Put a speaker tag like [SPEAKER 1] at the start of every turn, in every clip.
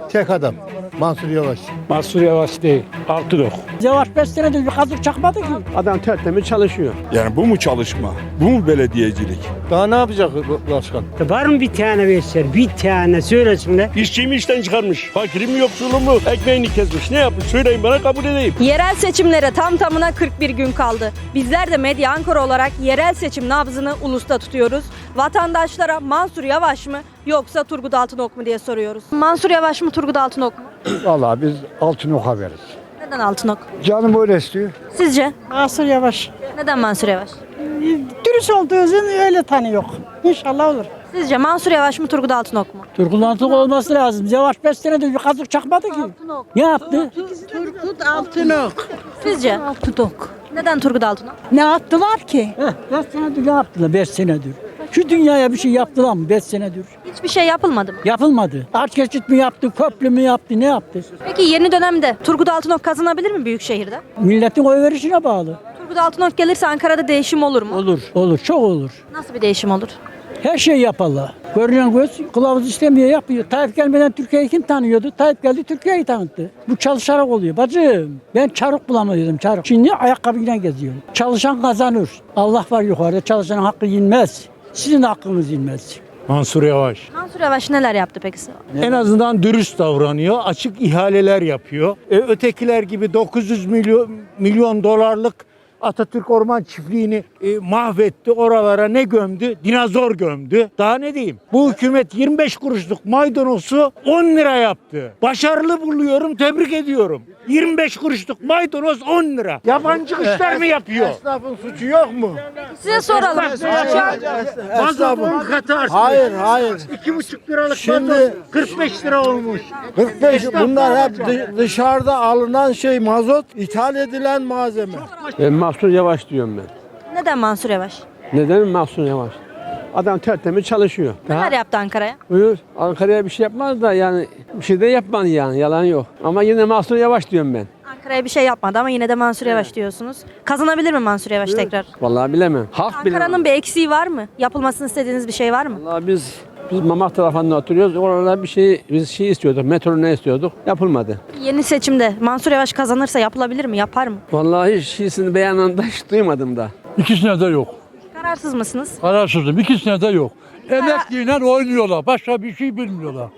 [SPEAKER 1] Tek adam. Mansur Yavaş.
[SPEAKER 2] Mansur Yavaş değil, Altınok.
[SPEAKER 3] Yavaş 5 senedir bir kazık çakmadı ki.
[SPEAKER 2] Adam tertemiz çalışıyor.
[SPEAKER 4] Yani bu mu çalışma? Bu mu belediyecilik?
[SPEAKER 1] Daha ne yapacak başkan?
[SPEAKER 3] Var mı bir tane versen, bir tane söylesinler.
[SPEAKER 2] İşçiyi mi işten çıkarmış? Fakiri mi yoksulu mu? Ekmeğini kesmiş. Ne yapmış? Söyleyin bana, kabul edeyim.
[SPEAKER 5] Yerel seçimlere tam tamına 41 gün kaldı. Bizler de Medya Ankara olarak yerel seçim nabzını ulusta tutuyoruz. Vatandaşlara Mansur Yavaş mı yoksa Turgut Altınok mu diye soruyoruz. Mansur Yavaş mı Turgut Altınok mu?
[SPEAKER 2] Vallahi biz Altınok'a veririz.
[SPEAKER 5] Neden Altınok?
[SPEAKER 2] Canım öyle istiyor.
[SPEAKER 5] Sizce?
[SPEAKER 3] Mansur Yavaş.
[SPEAKER 5] Neden Mansur Yavaş?
[SPEAKER 3] Dürüst olduğu için öyle tanıyor. İnşallah olur.
[SPEAKER 5] Sizce Mansur Yavaş mı Turgut Altınok mu?
[SPEAKER 3] Turgut Altınok olması lazım. Yavaş 5 senedir bir kazık çakmadı ki. Ne yaptı?
[SPEAKER 6] Turgut Altınok.
[SPEAKER 5] Sizce?
[SPEAKER 6] Altınok.
[SPEAKER 5] Neden Turgut Altınok?
[SPEAKER 6] Ne yaptılar ki?
[SPEAKER 3] 5 senedir ne yaptılar 5 senedir? Şu dünyaya bir şey yaptılar mı 5 senedir?
[SPEAKER 5] Hiçbir şey yapılmadı mı?
[SPEAKER 3] Yapılmadı. Aç geçit mi yaptı, köprü mü yaptı, ne yaptı?
[SPEAKER 5] Peki yeni dönemde Turgut Altınok kazanabilir mi Büyükşehir'de?
[SPEAKER 3] Milletin oy verişine bağlı.
[SPEAKER 5] Turgut Altınok gelirse Ankara'da değişim olur mu?
[SPEAKER 3] Olur, olur, çok olur.
[SPEAKER 5] Nasıl bir değişim olur?
[SPEAKER 3] Her şey yaparlar. Görünen göz kılavuz istemiyor, yapıyor. Tayyip gelmeden Türkiye'yi kim tanıyordu? Tayyip geldi, Türkiye'yi tanıttı. Bu çalışarak oluyor. Bacım, ben çarık bulamıyordum, çarık. Şimdi ayakkabıyla geziyorum. Çalışan kazanır. Allah var yukarıda, çalışanın hakkı yenmez. Sizin de hakkınız yenmez.
[SPEAKER 2] Mansur Yavaş.
[SPEAKER 5] Mansur Yavaş neler yaptı peki?
[SPEAKER 2] En azından dürüst davranıyor. Açık ihaleler yapıyor. Ötekiler gibi 900 milyon dolarlık Atatürk Orman Çiftliği'ni mahvetti. Oralara ne gömdü? Dinozor gömdü. Daha ne diyeyim? Bu hükümet 25 kuruşluk maydanozu 10 lira yaptı. Başarılı buluyorum, tebrik ediyorum. 25 kuruşluk maydanoz 10 lira. Yabancı işler mi yapıyor?
[SPEAKER 1] Esnafın suçu yok mu?
[SPEAKER 5] Size soralım. Şu an
[SPEAKER 2] Mazot 10 katı artmış.
[SPEAKER 1] Hayır.
[SPEAKER 2] 2,5 liralık
[SPEAKER 1] Şimdi-
[SPEAKER 2] mazot 45 lira olmuş.
[SPEAKER 1] 45 bunlar hep dışarıda alınan şey mazot, ithal edilen malzeme.
[SPEAKER 7] Ben Mansur Yavaş diyorum ben.
[SPEAKER 5] neden Mansur Yavaş?
[SPEAKER 7] Neden Mansur Yavaş? Adam tertemiz çalışıyor.
[SPEAKER 5] Neler yaptı Ankara'ya?
[SPEAKER 7] Buyur. Ankara'ya bir şey yapmaz da yani bir şey de yapmadı yani, yalan yok. Ama yine Mansur Yavaş diyorum ben.
[SPEAKER 5] Ankara'ya bir şey yapmadı ama yine de Mansur Yavaş diyorsunuz. Kazanabilir mi Mansur Yavaş tekrar?
[SPEAKER 7] Vallahi bilemem. Halk bilemem.
[SPEAKER 5] Ankara'nın bir eksiği var mı? Yapılmasını istediğiniz bir şey var mı?
[SPEAKER 7] Vallahi biz Mamak tarafında oturuyoruz. Oralarda biz şey istiyorduk. Metro ne istiyorduk? Yapılmadı.
[SPEAKER 5] Yeni seçimde Mansur Yavaş kazanırsa yapılabilir mi? Yapar mı?
[SPEAKER 7] Vallahi şeysini beyanında hiç duymadım da.
[SPEAKER 8] İkisine de yok.
[SPEAKER 5] Kararsız mısınız?
[SPEAKER 8] Kararsızım. İkisine de yok. Emekliyle oynuyorlar. Başka bir şey bilmiyorlar.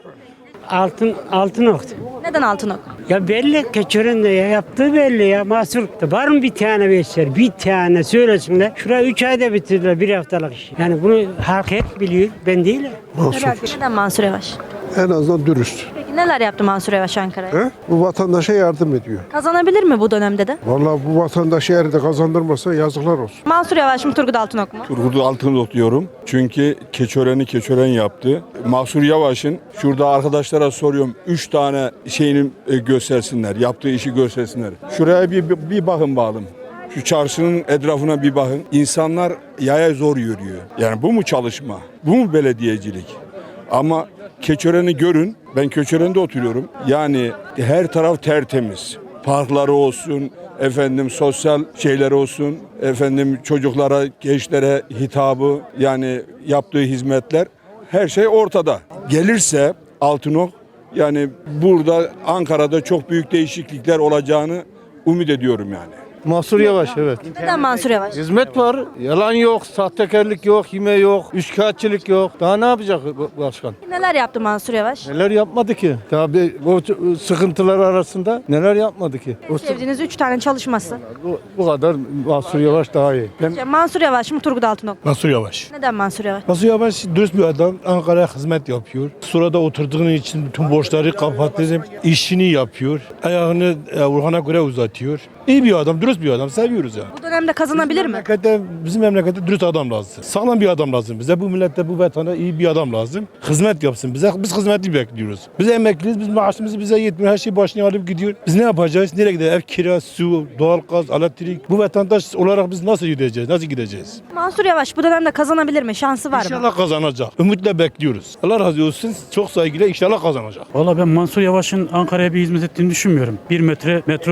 [SPEAKER 3] Altınok.
[SPEAKER 5] Neden Altınok?
[SPEAKER 3] Ya belli, keçörün de yaptığı belli ya. Mahsur. Var mı bir tane versen, bir tane söylesinler. Şurayı 3 ayda bitirdiler, bir haftalık iş. Yani bunu halk hep biliyor, ben değil.
[SPEAKER 5] Neden Mansur Yavaş?
[SPEAKER 9] En azından dürüst.
[SPEAKER 5] Peki neler yaptı Mansur Yavaş Ankara'ya?
[SPEAKER 9] Bu vatandaşa yardım ediyor.
[SPEAKER 5] Kazanabilir mi bu dönemde de?
[SPEAKER 9] Vallahi bu vatandaşı eğer de kazandırmasa yazıklar olsun.
[SPEAKER 5] Mansur Yavaş mı Turgut Altınok mu?
[SPEAKER 4] Turgut Altınok diyorum. Çünkü keçöreni keçören yaptı. Mansur Yavaş'ın şurada arkadaşlara soruyorum. 3 tane şeyini göstersinler. Yaptığı işi göstersinler. Şuraya bir bakın bakalım. Şu çarşının etrafına bir bakın. İnsanlar yaya zor yürüyor. Yani bu mu çalışma? Bu mu belediyecilik? Ama Keçören'i görün. Ben Keçören'de oturuyorum. Yani her taraf tertemiz. Parkları olsun, efendim sosyal şeyler olsun, efendim çocuklara, gençlere hitabı, yani yaptığı hizmetler, her şey ortada. Gelirse Altınok, yani burada Ankara'da çok büyük değişiklikler olacağını umut ediyorum yani.
[SPEAKER 1] Mansur Yavaş evet.
[SPEAKER 5] Neden Mansur Yavaş?
[SPEAKER 1] Hizmet var, yalan yok, sahtekarlık yok, hime yok, üçkağıtçılık yok. Daha ne yapacak başkan?
[SPEAKER 5] Neler yaptı Mansur Yavaş?
[SPEAKER 1] Neler yapmadı ki? Tabii o sıkıntılar arasında neler yapmadı ki?
[SPEAKER 5] Sevdiğiniz 3 tane çalışması.
[SPEAKER 1] Bu kadar Mansur Yavaş daha iyi.
[SPEAKER 5] Mansur Yavaş mı Turgut Altınok mu?
[SPEAKER 8] Mansur Yavaş.
[SPEAKER 5] Neden Mansur Yavaş?
[SPEAKER 8] Mansur Yavaş dürüst bir adam. Ankara'ya hizmet yapıyor. Surada oturduğun için bütün borçları kapattı. İşini yapıyor. Ayağını Orhan'a göre uzatıyor. İyi bir adam, dürüst bir adam. Seviyoruz yani.
[SPEAKER 5] Bu dönemde kazanabilir mi?
[SPEAKER 8] Bizim memlekette dürüst adam lazım. Sağlam bir adam lazım bize. Bu millette, bu vatana iyi bir adam lazım. Hizmet yapsın bize. Biz hizmeti bekliyoruz. Biz emekliyiz. Biz maaşımız bize yetmiyor. Her şey başına alıp gidiyor. Biz ne yapacağız? Nereye gideceğiz? Ev kira, su, doğalgaz, elektrik. Bu vatandaş olarak biz nasıl gideceğiz? Nasıl gideceğiz?
[SPEAKER 5] Mansur Yavaş bu dönemde kazanabilir mi? Şansı var mı?
[SPEAKER 8] İnşallah kazanacak. Ümitle bekliyoruz. Allah razı olsun. Çok saygıyla inşallah kazanacak.
[SPEAKER 10] Valla ben Mansur Yavaş'ın Ankara'ya bir hizmet ettiğini düşünmüyorum. 1 metre metro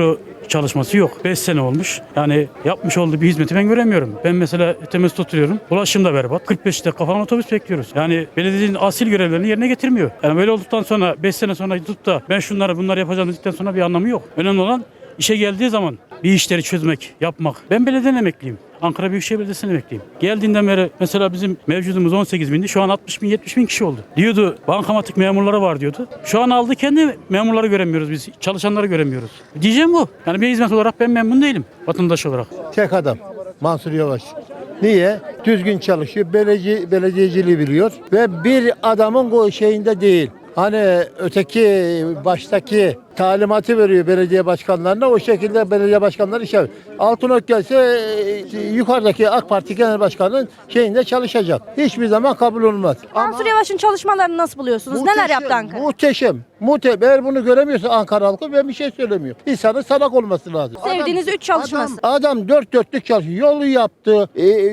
[SPEAKER 10] çalışması yok. 5 sene olmuş. Yani yapmış olduğu bir hizmeti ben göremiyorum. Ben mesela Temes'te oturuyorum. Ulaşım da berbat. 45 dakika falan otobüs bekliyoruz. Yani belediyenin asil görevlerini yerine getirmiyor. Yani böyle olduktan sonra 5 sene sonra tutup da ben bunları yapacağım dedikten sonra bir anlamı yok. Önemli olan işe geldiği zaman bir işleri çözmek, yapmak. Ben belediyeden emekliyim. Ankara Büyükşehir Belediyesi'nden emekliyim. Geldiğinden beri mesela bizim mevcudumuz 18 bindi. Şu an 60 bin, 70 bin kişi oldu. Diyordu bankamatik memurları var diyordu. Şu an aldı kendi memurları göremiyoruz biz. Çalışanları göremiyoruz. Diyeceğim bu. Yani bir hizmet olarak ben memnun değilim vatandaş olarak.
[SPEAKER 11] Tek adam Mansur Yavaş. Niye? Düzgün çalışıyor, belediyeciliği biliyor ve bir adamın şeyinde değil. Hani öteki baştaki talimatı veriyor belediye başkanlarına, o şekilde belediye başkanları iş yapıyor. Altınok gelse yukarıdaki AK Parti Genel Başkanı'nın şeyinde çalışacak. Hiçbir zaman kabul olmaz.
[SPEAKER 5] Mansur Yavaş'ın çalışmalarını nasıl buluyorsunuz? Neler yaptı Ankara?
[SPEAKER 11] Muhteşem. Eğer bunu göremiyorsa Ankara halkı ben bir şey söylemiyor. İnsanın salak olması lazım.
[SPEAKER 5] Sevdiğiniz 3 çalışması.
[SPEAKER 11] Adam dört dörtlük çalışıyor. Yolu yaptı.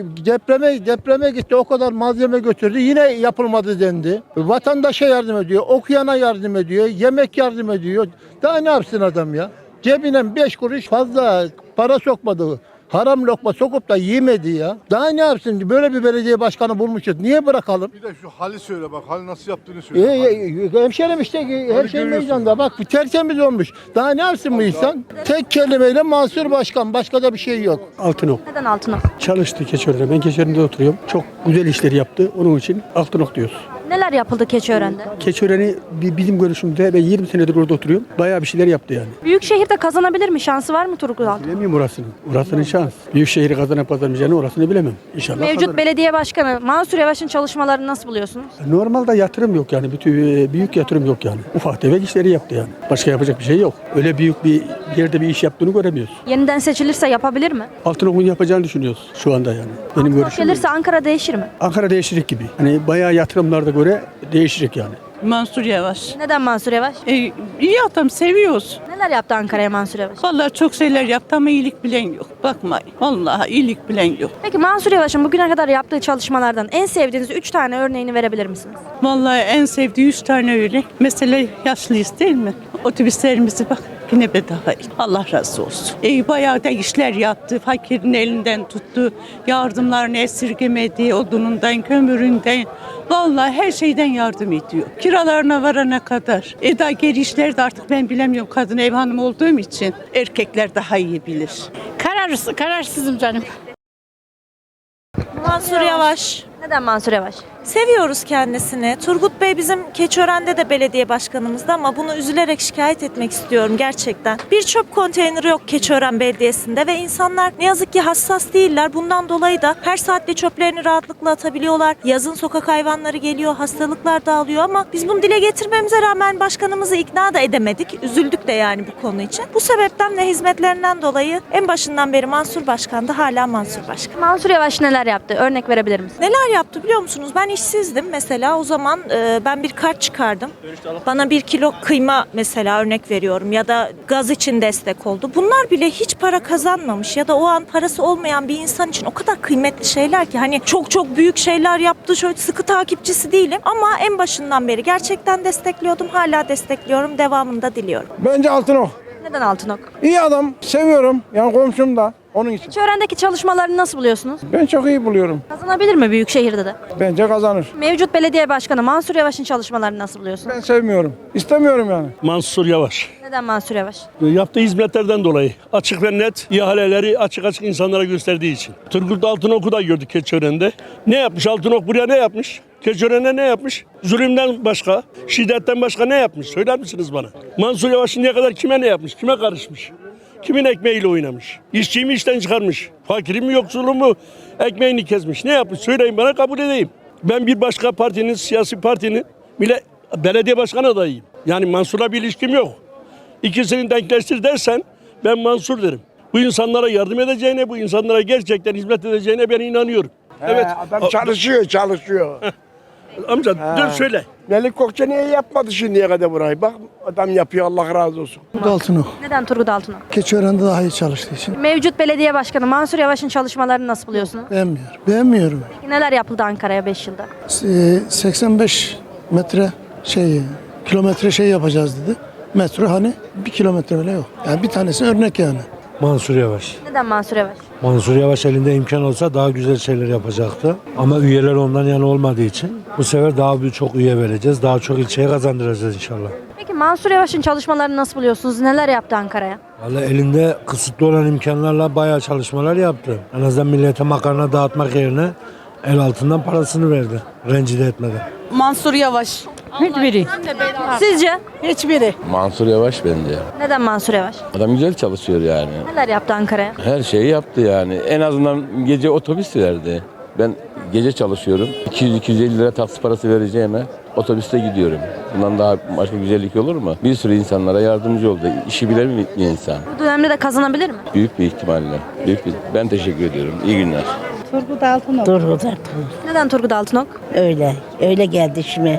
[SPEAKER 11] Depreme gitti. O kadar malzeme götürdü. Yine yapılmadı dendi. Vatandaşa yardım ediyor. Okuyana yardım ediyor. Yemek yardım ediyor. Daha ne yapsın adam ya? Cebine 5 kuruş fazla para sokmadı. Haram lokma sokup da yemedi ya. Daha ne yapsın? Böyle bir belediye başkanı bulmuşuz. Niye bırakalım?
[SPEAKER 9] Bir de şu hali söyle bak. Hali nasıl yaptığını söyle.
[SPEAKER 11] Hemşerim işte her şey meydanda. Bak tertemiz olmuş. Daha ne yapsın bu insan? Tek kelimeyle Mansur Başkan. Başka da bir şey yok.
[SPEAKER 3] Altınok.
[SPEAKER 5] Neden Altınok?
[SPEAKER 3] Çalıştı Keçiören'de. Ben Keçiören'de oturuyorum. Çok güzel işleri yaptı. Onun için Altınok diyoruz.
[SPEAKER 5] Neler yapıldı Keçiören'de?
[SPEAKER 3] Keçiören'i bizim görüşümde ben 20 senedir orada oturuyorum. Bayağı bir şeyler yaptı yani.
[SPEAKER 5] Büyükşehir'de kazanabilir mi? Şansı var mı Turgut Altınok?
[SPEAKER 3] Bilemiyorum orasını. Orasının şans. Büyükşehir'i kazanıp kazanamayacağını orasını bilemem. İnşallah
[SPEAKER 5] Mevcut
[SPEAKER 3] kazanır.
[SPEAKER 5] belediye başkanı Mansur Yavaş'ın çalışmalarını nasıl buluyorsunuz?
[SPEAKER 3] Normalde yatırım yok yani. Büyük yatırım yok yani. Ufak tefek işleri yaptı yani. Başka yapacak bir şey yok. Öyle büyük bir yerde bir iş yaptığını göremiyoruz.
[SPEAKER 5] Yeniden seçilirse yapabilir mi?
[SPEAKER 3] Altınok'un yapacağını düşünüyoruz şu anda yani. Benim görüşüm.
[SPEAKER 5] Gelirse Ankara değişir mi?
[SPEAKER 3] Ankara değişecek gibi. Hani bayağı yatırımlarda göre değişecek yani.
[SPEAKER 6] Mansur Yavaş.
[SPEAKER 5] Neden Mansur Yavaş?
[SPEAKER 6] İyi adam, seviyoruz.
[SPEAKER 5] Neler yaptı Ankara'ya Mansur Yavaş?
[SPEAKER 6] Vallahi çok şeyler yaptı ama iyilik bilen yok. Bakmayın. Vallahi iyilik bilen yok.
[SPEAKER 5] Peki Mansur Yavaş'ın bugüne kadar yaptığı çalışmalardan en sevdiğiniz 3 tane örneğini verebilir misiniz?
[SPEAKER 6] Vallahi en sevdiği 3 tane örnek. Mesela yaşlıyız değil mi? Otobüslerimizi bak yine bedava. Allah razı olsun. Bayağı da işler yaptı. Fakirin elinden tuttu. Yardımlarını esirgemedi. Odunundan, kömüründen. Vallahi her şeyden yardım ediyor. Kiralarına varana kadar. Daha geri işler de artık ben bilemiyorum. Kadın ev hanımı olduğum için erkekler daha iyi bilir.
[SPEAKER 12] Kararsızım canım.
[SPEAKER 13] Mansur Yavaş.
[SPEAKER 5] Neden Mansur Yavaş?
[SPEAKER 13] Seviyoruz kendisini. Turgut Bey bizim Keçiören'de de belediye başkanımızdı ama bunu üzülerek şikayet etmek istiyorum gerçekten. Bir çöp konteyneri yok Keçiören Belediyesi'nde ve insanlar ne yazık ki hassas değiller. Bundan dolayı da her saatte çöplerini rahatlıkla atabiliyorlar. Yazın sokak hayvanları geliyor, hastalıklar dağılıyor ama biz bunu dile getirmemize rağmen başkanımızı ikna da edemedik. Üzüldük de yani bu konu için. Bu sebepten ve hizmetlerinden dolayı en başından beri Mansur Başkan'dı, hala Mansur Başkan.
[SPEAKER 5] Mansur Yavaş neler yaptı? Örnek verebilir misiniz?
[SPEAKER 13] Neler yaptı biliyor musunuz? Ben işsizdim mesela, o zaman ben bir kart çıkardım. Bana 1 kilo kıyma mesela, örnek veriyorum, ya da gaz için destek oldu. Bunlar bile hiç para kazanmamış ya da o an parası olmayan bir insan için o kadar kıymetli şeyler ki, hani çok çok büyük şeyler yaptı, şöyle sıkı takipçisi değilim ama en başından beri gerçekten destekliyordum, hala destekliyorum, devamını da diliyorum.
[SPEAKER 9] Bence Altınok.
[SPEAKER 5] Neden Altınok?
[SPEAKER 9] İyi adam. Seviyorum. Yani komşum da. Onun için.
[SPEAKER 5] Keçiören'deki çalışmalarını nasıl buluyorsunuz?
[SPEAKER 9] Ben çok iyi buluyorum.
[SPEAKER 5] Kazanabilir mi Büyükşehir'de de?
[SPEAKER 9] Bence kazanır.
[SPEAKER 5] Mevcut belediye başkanı Mansur Yavaş'ın çalışmalarını nasıl buluyorsunuz?
[SPEAKER 9] Ben sevmiyorum. İstemiyorum yani.
[SPEAKER 10] Mansur Yavaş.
[SPEAKER 5] Neden Mansur Yavaş?
[SPEAKER 10] Yaptığı hizmetlerden dolayı açık ve net ihaleleri açık insanlara gösterdiği için. Turgut Altınok'u da gördük Keçiören'de. Ne yapmış Altınok, buraya ne yapmış? Keçiören'e ne yapmış? Zulümden başka, şiddetten başka ne yapmış? Söyler misiniz bana? Mansur Yavaş şimdiye kadar kime ne yapmış? Kime karışmış? Kimin ekmeğiyle oynamış? İşçiyi mi işten çıkarmış? Fakiri mi, yoksulu mu? Ekmeğini kesmiş. Ne yapmış? Söyleyin bana, kabul edeyim. Ben bir başka partinin, siyasi partinin bile belediye başkanı adayıyım. Yani Mansur'la bir ilişkim yok. İkisini denkleştir dersen ben Mansur derim. Bu insanlara yardım edeceğine, bu insanlara gerçekten hizmet edeceğine ben inanıyorum. Evet.
[SPEAKER 9] Adam çalışıyor.
[SPEAKER 10] Amca dur söyle.
[SPEAKER 9] Melik Gökçe niye yapmadı şimdiye kadar burayı? Bak adam yapıyor, Allah razı olsun.
[SPEAKER 3] Altınok.
[SPEAKER 5] Neden Turgut Altınok?
[SPEAKER 3] Keçiören'de daha iyi çalıştığı için.
[SPEAKER 5] Mevcut belediye başkanı Mansur Yavaş'ın çalışmalarını nasıl buluyorsunuz?
[SPEAKER 3] Beğenmiyorum.
[SPEAKER 5] Peki neler yapıldı Ankara'ya 5 yılda?
[SPEAKER 3] 85 metre kilometre yapacağız dedi.
[SPEAKER 11] Metro hani 1 kilometre bile yok. Yani bir tanesi örnek yani.
[SPEAKER 2] Mansur Yavaş.
[SPEAKER 5] Neden Mansur Yavaş?
[SPEAKER 2] Mansur Yavaş elinde imkan olsa daha güzel şeyler yapacaktı. Ama üyeler ondan yana olmadığı için bu sefer daha çok üye vereceğiz. Daha çok ilçeye kazandıracağız inşallah.
[SPEAKER 5] Peki Mansur Yavaş'ın çalışmalarını nasıl buluyorsunuz? Neler yaptı Ankara'ya?
[SPEAKER 2] Vallahi elinde kısıtlı olan imkanlarla bayağı çalışmalar yaptı. En azından millete makarna dağıtmak yerine el altından parasını verdi. Rencide etmeden.
[SPEAKER 6] Mansur Yavaş.
[SPEAKER 12] Hiçbiri.
[SPEAKER 5] Sizce?
[SPEAKER 12] Hiçbiri.
[SPEAKER 14] Mansur Yavaş bence.
[SPEAKER 5] Neden Mansur Yavaş?
[SPEAKER 14] Adam güzel çalışıyor yani.
[SPEAKER 5] Neler yaptı Ankara'ya?
[SPEAKER 14] Her şeyi yaptı yani. En azından gece otobüs verdi. Ben gece çalışıyorum. 200-250 lira taksi parası vereceğime otobüste gidiyorum. Bundan daha başka güzellik olur mu? Bir sürü insanlara yardımcı oldu. İşi bilen bir insan.
[SPEAKER 5] Bu dönemde de kazanabilir mi?
[SPEAKER 14] Büyük bir ihtimalle. Ben teşekkür ediyorum. İyi günler.
[SPEAKER 12] Turgut Altınok. Turgut Altınok.
[SPEAKER 5] Neden Turgut Altınok?
[SPEAKER 12] Öyle geldi şimdi.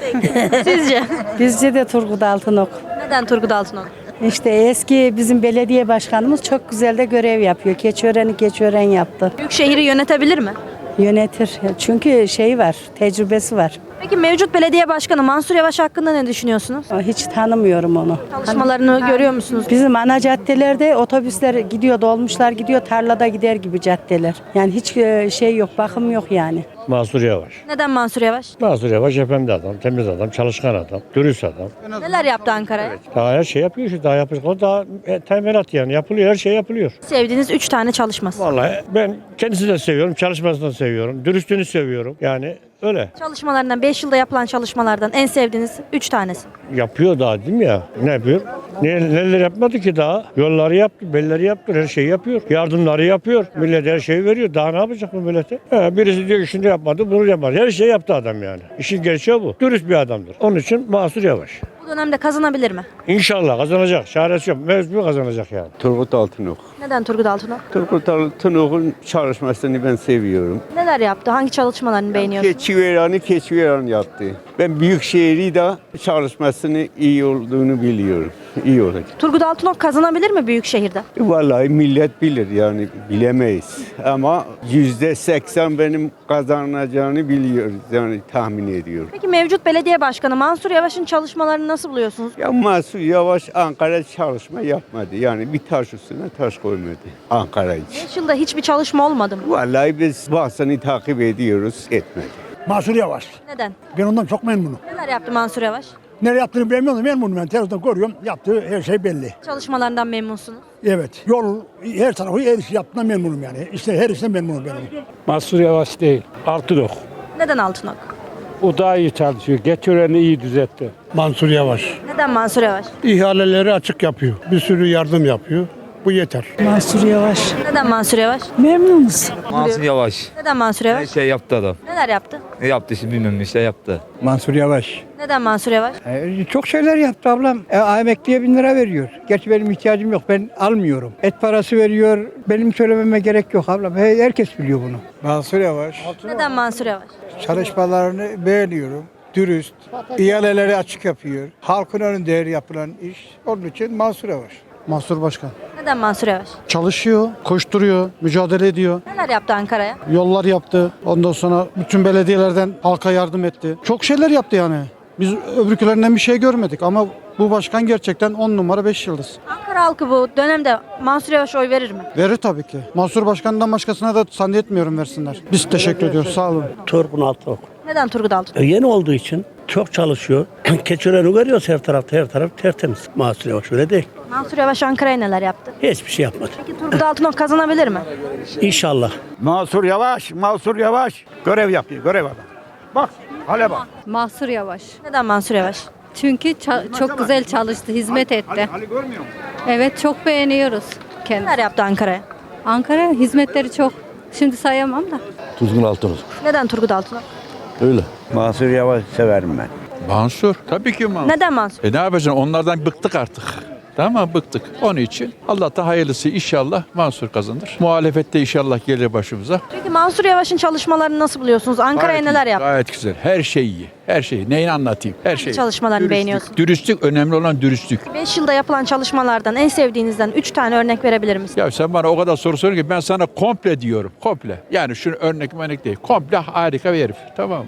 [SPEAKER 5] Sizce?
[SPEAKER 12] Bizce de Turgut Altınok.
[SPEAKER 5] Neden Turgut Altınok?
[SPEAKER 12] İşte eski bizim belediye başkanımız çok güzel de görev yapıyor. Keçiören yaptı.
[SPEAKER 5] Büyükşehir'i yönetebilir mi?
[SPEAKER 12] Yönetir. Çünkü var, tecrübesi var.
[SPEAKER 5] Peki mevcut belediye başkanı Mansur Yavaş hakkında ne düşünüyorsunuz?
[SPEAKER 12] Hiç tanımıyorum onu.
[SPEAKER 5] Çalışmalarını görüyor musunuz?
[SPEAKER 12] Bizim ana caddelerde otobüsler gidiyor, dolmuşlar gidiyor, tarlada gider gibi caddeler. Yani hiç yok, bakım yok yani.
[SPEAKER 10] Mansur Yavaş.
[SPEAKER 5] Neden Mansur Yavaş?
[SPEAKER 10] Mansur Yavaş efendi adam, temiz adam, çalışkan adam, dürüst adam.
[SPEAKER 5] Neler yaptı Ankara'ya?
[SPEAKER 10] Daha her şey yapıyor işte, daha yapıyor. O daha temelat yani yapılıyor, her şey yapılıyor.
[SPEAKER 5] Sevdiğiniz 3 tane çalışması.
[SPEAKER 10] Vallahi ben kendisini de seviyorum, çalışmasını da seviyorum, dürüstlüğünü seviyorum. Yani öyle.
[SPEAKER 5] Çalışmalarından 5 yılda yapılan çalışmalardan en sevdiğiniz 3 tanesi.
[SPEAKER 10] Yapıyor daha değil mi ya? Ne yapıyor? Neler yapmadı ki daha? Yolları yaptı, belleri yaptı, her şeyi yapıyor. Yardımları yapıyor. Millet her şeyi veriyor. Daha ne yapacak bu millete? Birisi diyor ki şunu yapmadı, bunu yapmadı. Her şeyi yaptı adam yani. İşin gerçeği bu. Dürüst bir adamdır. Onun için Mansur Yavaş.
[SPEAKER 5] Bu dönemde kazanabilir mi?
[SPEAKER 10] İnşallah kazanacak. Çaresi yok. Mecbur kazanacak yani.
[SPEAKER 14] Turgut Altınok.
[SPEAKER 5] Neden Turgut Altınok?
[SPEAKER 14] Turgut Altınok'un çalışmasını ben seviyorum.
[SPEAKER 5] Neler yaptı? Hangi çalışmalarını beğeniyorsunuz?
[SPEAKER 14] Keçiören yaptı. Ben Büyükşehir'i de çalışmasını iyi olduğunu biliyorum. İyi olacak.
[SPEAKER 5] Turgut Altınok kazanabilir mi Büyükşehir'de?
[SPEAKER 14] Vallahi millet bilir yani bilemeyiz. Ama %80 benim kazanacağını biliyoruz yani tahmin ediyorum.
[SPEAKER 5] Peki mevcut belediye başkanı Mansur Yavaş'ın çalışmalarını nasıl buluyorsunuz?
[SPEAKER 14] Ya Mansur Yavaş Ankara çalışma yapmadı. Yani bir taş üstüne taş koymadı Ankara için.
[SPEAKER 5] 5 yılda hiçbir çalışma olmadı mı?
[SPEAKER 14] Vallahi biz bahsini takip ediyoruz, etmedi.
[SPEAKER 11] Mansur Yavaş.
[SPEAKER 5] Neden?
[SPEAKER 11] Ben ondan çok memnunum.
[SPEAKER 5] Neler yaptı Mansur Yavaş?
[SPEAKER 11] Nereye yaptığını bilmiyorum. Memnunum ben. Televizyonda görüyorum. Yaptığı her şey belli.
[SPEAKER 5] Çalışmalarından memnunsunuz.
[SPEAKER 11] Evet. Yol her tarafı her iş yaptığından memnunum yani. İşte her işten memnunum benim.
[SPEAKER 10] Mansur Yavaş değil. Altınok.
[SPEAKER 5] Neden Altınok?
[SPEAKER 10] O daha iyi çalışıyor. Geçören'i iyi düzeltti.
[SPEAKER 8] Mansur Yavaş.
[SPEAKER 5] Neden Mansur Yavaş?
[SPEAKER 8] İhaleleri açık yapıyor. Bir sürü yardım yapıyor. Bu yeter.
[SPEAKER 12] Mansur Yavaş.
[SPEAKER 5] Neden Mansur Yavaş?
[SPEAKER 12] Memnunuz.
[SPEAKER 1] Mansur Yavaş.
[SPEAKER 5] Neden Mansur Yavaş?
[SPEAKER 1] Şey yaptı adam.
[SPEAKER 5] Neler yaptı?
[SPEAKER 1] Ne yaptı şimdi bilmiyorum işte yaptı.
[SPEAKER 11] Mansur Yavaş.
[SPEAKER 5] Neden Mansur Yavaş?
[SPEAKER 11] Çok şeyler yaptı ablam. Emekliye 1000 lira veriyor. Gerçi benim ihtiyacım yok. Ben almıyorum. Et parası veriyor. Benim söylememe gerek yok ablam. Herkes biliyor bunu. Mansur Yavaş.
[SPEAKER 5] Neden Mansur Yavaş?
[SPEAKER 11] Çalışmalarını beğeniyorum. Dürüst. İhaleleri açık yapıyor. Halkın önünde yapılan iş. Onun için Mansur Yavaş. Mansur Başkan.
[SPEAKER 5] Neden Mansur Yavaş?
[SPEAKER 11] Çalışıyor, koşturuyor, mücadele ediyor.
[SPEAKER 5] Neler yaptı Ankara'ya?
[SPEAKER 11] Yollar yaptı. Ondan sonra bütün belediyelerden halka yardım etti. Çok şeyler yaptı yani. Biz öbürkülerinden bir şey görmedik ama bu başkan gerçekten 10 numara 5 yıldız.
[SPEAKER 5] Ankara halkı bu dönemde Mansur Yavaş oy verir mi?
[SPEAKER 11] Verir tabii ki. Mansur Başkan'dan başkasına da zannetmiyorum versinler. Biz teşekkür ediyoruz. Sağ olun.
[SPEAKER 10] Turgut Altınok.
[SPEAKER 5] Neden Turgut Altınok?
[SPEAKER 10] Yeni olduğu için çok çalışıyor. Keçören'i görüyoruz her taraf tertemiz. Mansur Yavaş öyle değil.
[SPEAKER 5] Mansur Yavaş Ankara'ya neler yaptı?
[SPEAKER 10] Hiçbir şey yapmadı.
[SPEAKER 5] Peki Turgut Altınok kazanabilir mi?
[SPEAKER 10] İnşallah.
[SPEAKER 9] Mansur Yavaş görev yapıyor, görev adam. Bak, hale bak.
[SPEAKER 12] Mansur Yavaş.
[SPEAKER 5] Neden Mansur Yavaş?
[SPEAKER 12] Çünkü çok güzel çalıştı, hizmet etti.
[SPEAKER 9] Ali görmüyor musun?
[SPEAKER 12] Evet, çok beğeniyoruz
[SPEAKER 5] Neler yaptı Ankara'ya?
[SPEAKER 12] Ankara hizmetleri çok. Şimdi sayamam da.
[SPEAKER 14] Turgut Altınok.
[SPEAKER 5] Neden Turgut Altınok?
[SPEAKER 14] Öyle.
[SPEAKER 9] Mansur Yavaş severim ben.
[SPEAKER 4] Mansur. Tabii ki Mansur.
[SPEAKER 5] Neden Mansur?
[SPEAKER 4] Ne yapacaksın? Onlardan bıktık artık. Tamam bıktık. Onun için Allah da hayırlısı inşallah Mansur kazanır. Muhalefette inşallah gelir başımıza.
[SPEAKER 5] Peki Mansur Yavaş'ın çalışmalarını nasıl buluyorsunuz? Ankara'ya neler yaptı?
[SPEAKER 4] Gayet güzel. Her şey iyi. Her şey. Neyini anlatayım? Her şey.
[SPEAKER 5] Çalışmalarını beğeniyorsun.
[SPEAKER 4] Dürüstlük. Önemli olan dürüstlük.
[SPEAKER 5] 5 yılda yapılan çalışmalardan en sevdiğinizden 3 tane örnek verebilir misiniz?
[SPEAKER 4] Ya sen bana o kadar soru soruyorsun ki ben sana komple diyorum. Komple. Yani şunu örnek değil. Komple harika bir herif. Tamam mı?